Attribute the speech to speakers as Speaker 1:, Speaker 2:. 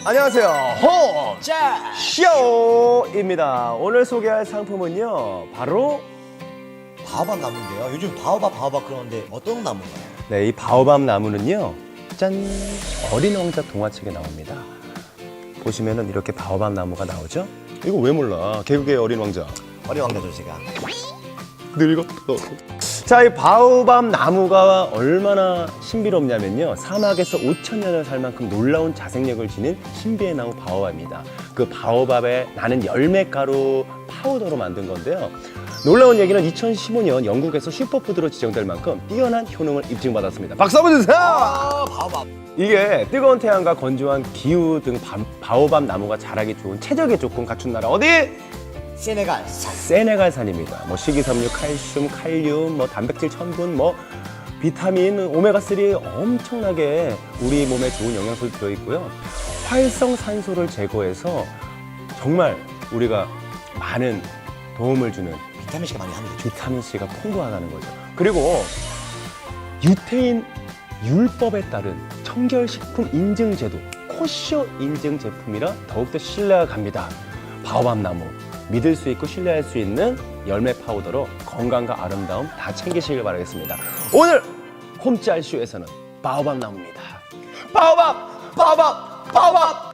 Speaker 1: 안녕하세요. 호짜쇼입니다. 오늘 소개할 상품은요, 바로
Speaker 2: 바오밥 나무인데요. 요즘 바오밥 그러는데 어떤 나무인가요?
Speaker 1: 네, 이 바오밥 나무는요, 짠! 어린 왕자 동화책에 나옵니다. 보시면은 이렇게 바오밥 나무가 나오죠? 이거 왜 몰라? 개그의 어린 왕자.
Speaker 2: 어린 왕자죠 제가.
Speaker 1: 늙었어. 자, 이 바오밥 나무가 얼마나 신비롭냐면요. 사막에서 5,000년을 살 만큼 놀라운 자생력을 지닌 신비의 나무 바오밥입니다. 그 바오밥에 나는 열매가루 파우더로 만든 건데요. 놀라운 얘기는 2015년 영국에서 슈퍼푸드로 지정될 만큼 뛰어난 효능을 입증받았습니다. 박수 한번 주세요!
Speaker 2: 바오밥.
Speaker 1: 이게 뜨거운 태양과 건조한 기후 등 바오밥 나무가 자라기 좋은 최적의 조건 갖춘 나라 어디?
Speaker 2: 세네갈.
Speaker 1: 세네갈산입니다. 뭐 식이섬유, 칼슘, 칼륨, 뭐 단백질, 천분, 뭐 비타민, 오메가3 엄청나게 우리 몸에 좋은 영양소를 들어있고요. 활성산소를 제거해서 정말 우리가 많은 도움을 주는
Speaker 2: 비타민C가 많이 합니다.
Speaker 1: 비타민C가 풍부하다는 거죠. 그리고 유태인 율법에 따른 청결식품 인증제도 코쇼 인증 제품이라 더욱더 신뢰가 갑니다. 바오밥 나무 믿을 수 있고 신뢰할 수 있는 열매 파우더로 건강과 아름다움 다 챙기시길 바라겠습니다. 오늘 홈짤쇼에서는 바오밥 나무입니다. 바오밥! 바오밥! 바오밥!